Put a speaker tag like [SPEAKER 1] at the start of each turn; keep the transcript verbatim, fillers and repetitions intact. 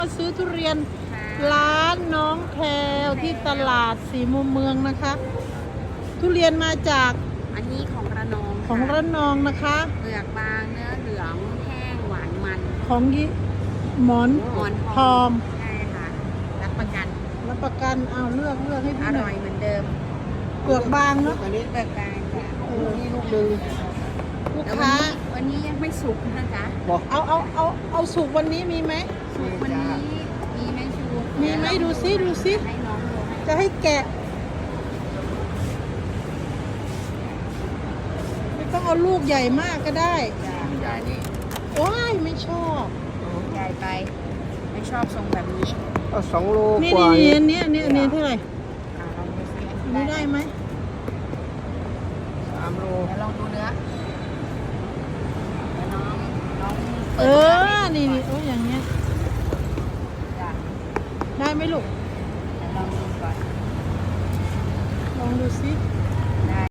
[SPEAKER 1] มาซื้อทุเรียนร้านน้องแพรวที่ตลาดสีมุมเมืองนะคะ ทุเรียนมาจาก
[SPEAKER 2] อันนี้ของระนอง
[SPEAKER 1] ของระนองนะคะ
[SPEAKER 2] เปลือกบางเนื้อเหลืองแห้งหวานมัน
[SPEAKER 1] ของยิหมอน
[SPEAKER 2] หมอน
[SPEAKER 1] ทอม
[SPEAKER 2] ใช่ค่ะรับประกัน
[SPEAKER 1] รับประกันเอาเลือกเลือกให้
[SPEAKER 2] อ
[SPEAKER 1] พี่หน่
[SPEAKER 2] ร่
[SPEAKER 1] อ
[SPEAKER 2] อย ยเหมือนเดิม
[SPEAKER 1] เปลือกบางเนาะ
[SPEAKER 3] อันนี้
[SPEAKER 2] เปลือกบางค่ะ
[SPEAKER 1] เออ
[SPEAKER 3] นี่ลูกหนึ่ง
[SPEAKER 1] ลูก
[SPEAKER 2] แต่วัน
[SPEAKER 1] ค้า
[SPEAKER 2] นี้วันนี้ยังไม่สุกนะจ๊ะ
[SPEAKER 3] บอก
[SPEAKER 1] เอาเอาเอาเอาสุกวันนี้มีไหม
[SPEAKER 2] สุกวันนี้มีไหมชู
[SPEAKER 1] มีไหมดูซิดูซิ
[SPEAKER 2] ให้น้องดูให้
[SPEAKER 1] จะให้แกะไม่ต้องเอาลูกใหญ่มากก็ได้
[SPEAKER 2] จ้ะ
[SPEAKER 3] ใหญ่นี่
[SPEAKER 1] ว้ายไม่ชอบ
[SPEAKER 2] ใหญ่ไป ไม่ชอบทรงแบบนี้
[SPEAKER 3] ก็สองโล
[SPEAKER 1] นี่
[SPEAKER 3] กว่า
[SPEAKER 1] นี่นี่อันนี้อันนี้อันนี้เท่าไหร่
[SPEAKER 2] อ่ะลองดูสิ
[SPEAKER 1] อันนี้ได้ไหม
[SPEAKER 3] สามโล
[SPEAKER 2] เดี๋ยวลองดูเนื้อเดี๋ยวน้องน้อง
[SPEAKER 1] เอ
[SPEAKER 2] ปิด
[SPEAKER 1] อ
[SPEAKER 2] เนื้
[SPEAKER 1] นี่
[SPEAKER 2] ให้
[SPEAKER 1] นี่
[SPEAKER 2] ดู
[SPEAKER 1] โอ้ยอย่างเงี้ย
[SPEAKER 2] ก่อนจ้ะ
[SPEAKER 1] ได้ไหมลูก
[SPEAKER 2] เดี๋ยวลองดูก่อน
[SPEAKER 1] ลองดูซิ
[SPEAKER 2] อ